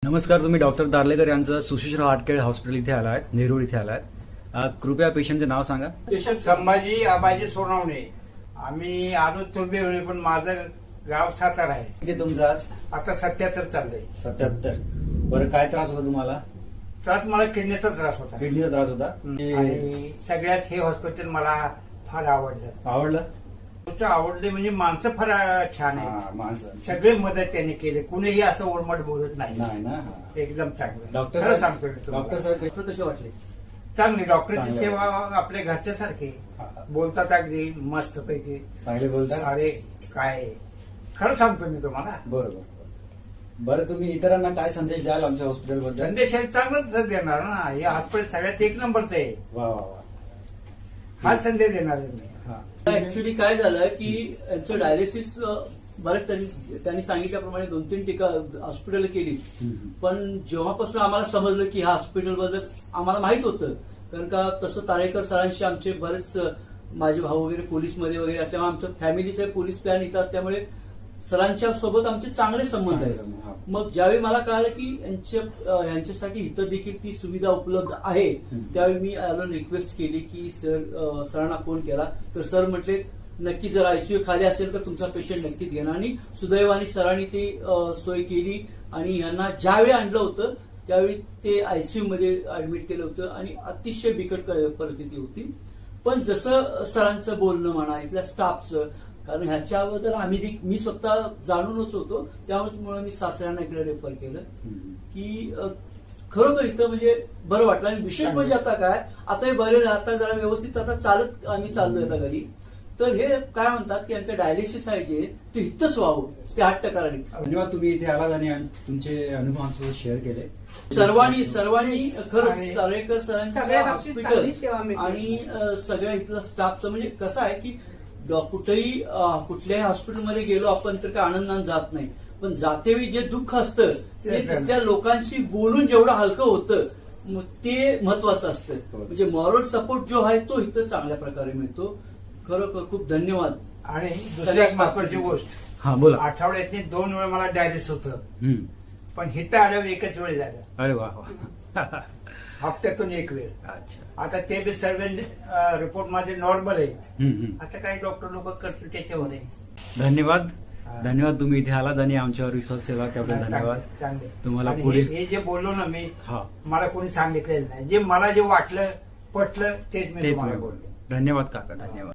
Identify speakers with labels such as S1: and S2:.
S1: नमस्कार, तुम्ही डॉक्टर दार्लेकर यांचं सुशिश्र हार्टकेअर हॉस्पिटल इथे आला आहेत, नेरूळ इथे आला आहेत. कृपया पेशंटचे नाव सांगा.
S2: पेशंट संभाजी आबाजी सोनावणे. आम्ही आलो तुर्बे, पण माझं गाव सातारा आहे.
S1: किती तुमचं आज?
S2: आता 77 चाललंय.
S1: 77. बरं, काय त्रास होता तुम्हाला?
S2: त्रास मला किडनीचा त्रास होता.
S1: किडनीचा त्रास होता.
S2: आणि सगळ्यात हे हॉस्पिटल मला फार आवडलं.
S1: आवडलं?
S2: गोष्ट आवडली म्हणजे माणसं फार छान आहे.
S1: माणसं
S2: सगळे मदत त्यांनी केली. कुणीही असं ओरमट बोलत नाही.
S1: नाही ना.
S2: एकदम चांगलं.
S1: डॉक्टर
S2: खरं सांगतो मी तुम्हाला.
S1: डॉक्टर साहेब कसे वाटले?
S2: चांगली डॉक्टरची
S1: चांगलं.
S2: सेवा आपल्या घरच्या सारखी बोलतात, अगदी मस्त पैकी.
S1: चांगले बोलता.
S2: अरे काय खरं सांगतो मी तुम्हाला.
S1: बरोबर. बरं, तुम्ही इतरांना काय संदेश द्याल आमच्या हॉस्पिटल बद्दल?
S2: संदेश हे चांगलंच देणार ना. हे हॉस्पिटल सगळ्यात एक नंबरचं आहे.
S1: वा वा वा.
S2: हा संदेश देणार आहे मी.
S3: ऍक्च्युली काय झालं की यांचं डायलिसिस बरेच त्यांनी सांगितल्याप्रमाणे 2-3 टीका हॉस्पिटल केली. पण जेव्हापासून आम्हाला समजलं की ह्या हॉस्पिटल बद्दल आम्हाला माहित होतं, कारण का तसं तारेकर सरांशी आमचे बरेच माझे भाऊ वगैरे पोलीसमध्ये वगैरे असल्यामुळे आमचं फॅमिली साहेब पोलीस प्लॅन इथं असल्यामुळे सरांच्या सोबत आमचे चांगले संबंध आहेत. मग ज्यावेळी मला कळालं की यांच्यासाठी इथं देखील ती सुविधा उपलब्ध आहे, त्यावेळी मी रिक्वेस्ट केली की सरांना फोन केला. तर सर म्हटले नक्की जर आयसीयू खाली असेल तर तुमचा पेशंट नक्कीच घेणार. आणि सुदैवाने सरांनी ती सोय केली आणि यांना ज्यावेळी आणलं होतं त्यावेळी ते आयसीयू मध्ये ऍडमिट केलं होतं आणि अतिशय बिकट परिस्थिती होती. पण जसं सरांचं बोलणं म्हणा, इथल्या स्टाफचं, कारण ह्याच्याबद्दल मी स्वतः जाणूनच होतो, त्यामुळे मी सासऱ्यांना इकडे रेफर केलं की खरोखर इथं म्हणजे बरं वाटलं. आणि विशेष म्हणजे आता काय, आता हे बरे आता जरा व्यवस्थित आता चालत आम्ही चाललोय आता घरी. तर हे काय म्हणतात की यांचं डायलिसिस आहे जे ते इथंच व्हावं, ते 8%
S1: धन्यवाद. तुम्ही इथे आलात आणि तुमचे अनुभव आमच्यासोबत शेअर केले.
S3: सर्वांनी खरंच तारेकर सरांचं हॉस्पिटल
S4: सेवा
S3: आणि सगळ्या इथलं स्टाफचं म्हणजे कसं आहे की कुठल्याही हॉस्पिटलमध्ये गेलो आपण तर काय आनंदाने जात नाही, पण जातेवेळी जे दुःख असतं ते तिथल्या लोकांशी बोलून जेवढं हलकं होतं ते महत्वाचं असतं. म्हणजे मॉरल सपोर्ट जो आहे तो इथं चांगल्या प्रकारे मिळतो. खरोखर खूप धन्यवाद.
S2: आणि दुसरी एक महत्वाची गोष्ट,
S1: हा बोला.
S2: आठवड्यातनी 2 वेळा मला डायलिसिस होतं, पण हिथं आल्यावर एकच वेळ झालं.
S1: अरे वा वा.
S2: हप्त्यातून एक वेळ.
S1: अच्छा.
S2: आता ते बी सर्व रिपोर्ट मध्ये नॉर्मल आहेत. आता काही डॉक्टर लोक करतील त्याच्यावर आहे.
S1: धन्यवाद. धन्यवाद, तुम्ही इथे आलात आणि आमच्यावर विश्वास ठेवला त्याबद्दल धन्यवाद.
S2: चांगले.
S1: तुम्हाला
S2: आणि
S1: पुढे
S2: हे जे बोललो ना मी,
S1: हा
S2: मला कोणी सांगितलेलं नाही. जे मला जे वाटलं पटलं तेच मी
S1: तेच
S2: तुम्हाला बोललो.
S1: धन्यवाद काका, धन्यवाद.